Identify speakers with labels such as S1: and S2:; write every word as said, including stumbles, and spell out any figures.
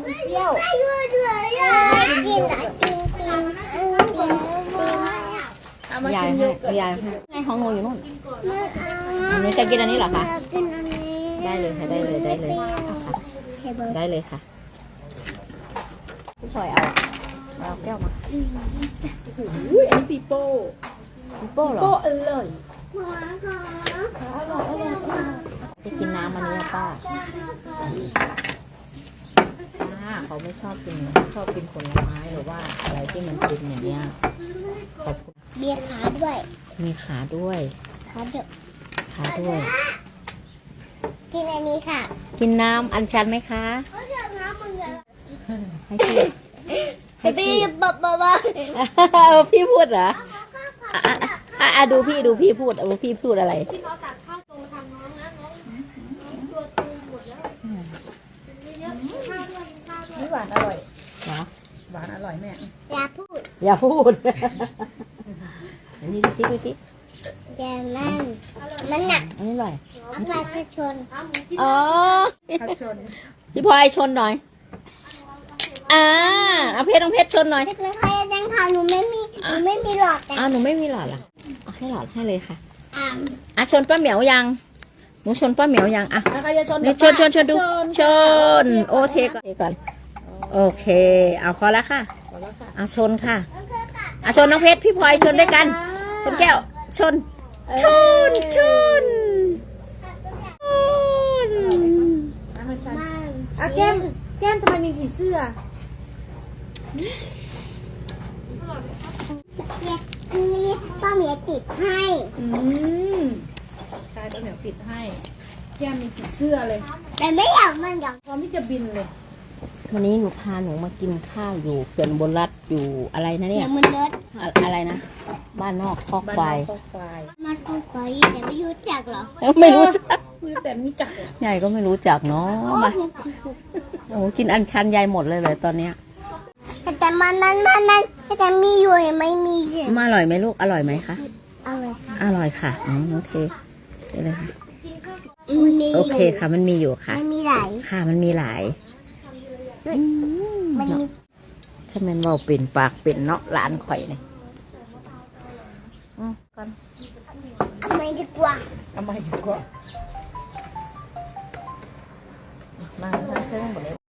S1: มันเปรี้ยว
S2: ไม่รู้เลยอ่ะกินอ่ะกินกินกินกิน
S1: เอามากินโยเกิร์ต
S3: ยายไงของหนูอยู่นู่น
S2: ไม่เอา
S3: หนูจะกินอันนี้เหรอคะ
S2: กินอันนี้
S3: ได้เลยค่ะได้เลยได้เลยเอาค่ะได้เลยค่ะพี่พลอยเอาเอาแก้วมา
S1: อุ้ยอันนี้ปีโป้
S3: พี่โป้เหรอ
S1: โป้อร่อย
S3: จะกินน้ำอันนี้ป้าป้าเขาไม่ชอบกินชอบกินผลไม้หรือว่าอะไรที่มันกินอย่างเงี้ยขอบคุณ
S2: เบียร์ขาด้วย
S3: มีขาด้วย
S2: ขาเดี๋ยว
S3: ขาด้วย
S2: กินอันนี้ค่ะ
S3: กินน้ำอัญชันไหมคะ
S2: เขาเรียกน้ำมันเลย
S3: ให้พี่ให้พี่
S2: บ๊อบบ๊อบบ๊อบ
S3: เอาพี่พูดเหรออ่ะอ่ะอ่ะอ่ะดูพี่ดูพี่พูดเอาพี่พูดอะไร
S1: ที่เขาตักข้าวตรงทำน้องนะน้องตัวตูหมดแล้วนี่หวานอร่อย
S3: เหรอ
S1: หวานอร่อยแม่
S2: อย่าพูด
S3: อย่าพูด อันนี้ดูสิดูสิ
S2: อย่ามันมันหนัก
S3: อันนี้อร่อย
S2: เอาไปไปชน
S3: อ๋อ
S1: ผักชน
S3: พี่พลอยชนหน่อย อ่าเอาเพชรต้องเพชรชนหน่อย
S2: เพชรไม่ค่อยแดงค่ะหนูไม่มีหนูไม่มีหลอดแต่
S3: อ้าวหนูไม่มีหลอดเหรอเอาให้หลอดให้เลยค่ะ
S2: อ่า
S3: อ่ะชนป้าเหมียวยัง หนูชนป้าเหมียวยังอ่ะ
S1: แล้วใครจะชน
S3: นี่ชนชนชนดู ชน โอเทก่อนเทก่อน โอเค เอาพอแล้วค่ะ
S1: พอแล้วค่ะ
S3: เอาชนค่ะเอาชนน้องเพชรพี่พลอยชนด้วยกัน ชนแก้ว ชน ชน ชน ชน
S1: น้ำมันชัน
S2: มัน
S1: อ่ะแก้มแก้มทำไมมีผีเสื้อ
S2: เนี่ยมีป้าเมียติดให้
S1: อืมใช่ป้าเหมียวปิดให้แก้มมีผีเสื้อเลย
S2: แต่ไม่อยากมันอยาก
S1: พร้อมที่จะบินเลย
S3: วันนี้หนูพาหนูมากินข้าวอยู่เขื่อนบนรัฐอยู่อะไรนะ
S2: เดี๋
S3: เนี่ย
S2: วย มันเลอะ
S3: อะอะไรนะ บ้านนอกคอก
S1: บ้าน
S3: ควาย
S1: นอกควาย
S2: มันคงขออีแต่ไม่รู้จักหรอ
S3: ไม่รู้จัก
S1: ไม่แต่ไม่จักเหรอ
S3: ใหญ่ก็ไม่รู้จักเนาะ
S2: โอ้
S3: มาโอ้กินอันชันยายหมดเลยเลยตอนเนี้ย
S2: แต่มันนั้นมันนั้นแต่มีอยู่ไม่มีอยู่
S3: มาอร่อยไหมลูกอร่อยไหมคะ
S2: อะไร
S3: อร่อยค่ะอ๋อโอเคเดี๋ยวเลยค่ะ
S2: มี
S3: โอเคค่ะ มันมีอยู่ค่ะ
S2: มันมีหลาย
S3: ค่ะมันมีหลายอื
S2: มันมี
S3: ใช่ไหมนเว่าเป็นปากเป็นเนาะหลานข่อยเนี่ยอืมก่อน
S2: ทำไมดีกว่า
S1: ทำไมดีกว่า
S3: มาทางเครื่องหมดเลย